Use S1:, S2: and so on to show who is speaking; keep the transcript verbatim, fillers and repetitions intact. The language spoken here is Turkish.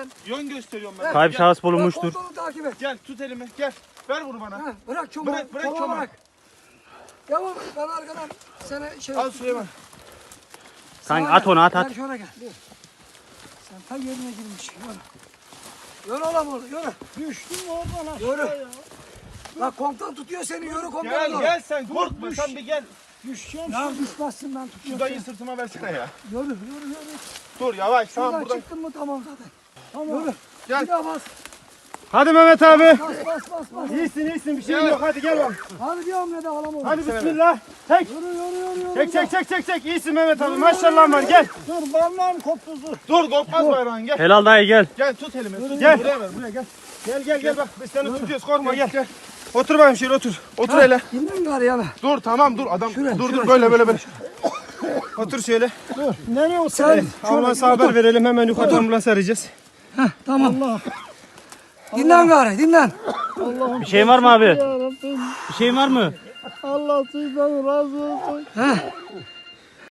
S1: ben.
S2: Yön gösteriyorum ben.
S3: Kayıp
S2: Gel.
S3: şahıs bulunmuştur.
S1: Kontrolü takip et.
S2: Gel tut elimi gel. Ver bunu bana.
S1: Ha, bırak çomağı.
S2: Bırak, bırak
S1: çomağı
S2: çomağı.
S1: bırak. Devam et. Ben arkadan sana şey...
S2: Al Süleyman.
S3: Sen
S1: Sağa
S3: at
S1: gel.
S3: onu at at.
S1: Gel şöyle gel. Sen ta yerine girmiş. Yürü. Yürü oğlum oğlum yürü.
S4: Düştüm oradan aşağı
S1: Yürü.
S4: ya.
S1: Bak komutan tutuyor seni yürü komutan.
S2: Gel
S1: doğru.
S2: gel sen korkma sen bir gel.
S4: Düşeceğim.
S1: Ya düşmezsin ben
S2: Şu
S1: tutuyorum.
S2: dayıyı sırtıma versene ya.
S1: Yürü yürü yürü.
S2: Dur yavaş
S1: Şuradan
S2: tamam buradan.
S1: çıktın mı tamam zaten.
S4: Tamam.
S1: Yürü.
S2: Gel.
S1: Bir daha bas.
S3: Hadi Mehmet abi.
S1: Bas bas bas bas.
S3: İyisin iyisin bir şey
S2: Gel.
S3: yok. Hadi gel bak.
S1: Hadi bir hamle de alalım onu.
S3: Hadi bismillah. Çek.
S1: Yürü yürü yürü. yürü.
S3: Çek çek çek çek çek. İyisin Mehmet abi. Maşallah var. Gel.
S4: Dur parmağım koptu dur.
S2: Dur korkmaz bayrağın gel.
S3: Helal dayı gel.
S2: Gel tut elimi. Tut.
S3: Gel.
S2: Buraya ver buraya gel.
S3: Gel gel gel bak. Biz seni tutuyoruz. Korkma gel.
S2: Gel. Otur bakayım şöyle otur. Otur
S1: Ha,
S2: hele.
S1: Dinle gari ya be.
S2: Dur tamam dur adam.
S1: Şuraya,
S2: dur
S1: şuraya,
S2: dur böyle
S1: şuraya,
S2: böyle böyle. Otur şöyle.
S4: Dur. Nereye otur?
S1: Sen
S3: Ambulansa haber verelim. Hemen yukarı ambulans arayacağız.
S1: Heh, tamam.
S4: Allah.
S1: Dinlen gari dinlen.
S4: Allah'ım.
S3: Bir şeyin var mı abi?
S4: Ya Rabbim.
S3: Bir şeyin var mı?
S4: Allah sizden razı olsun.
S1: Heh.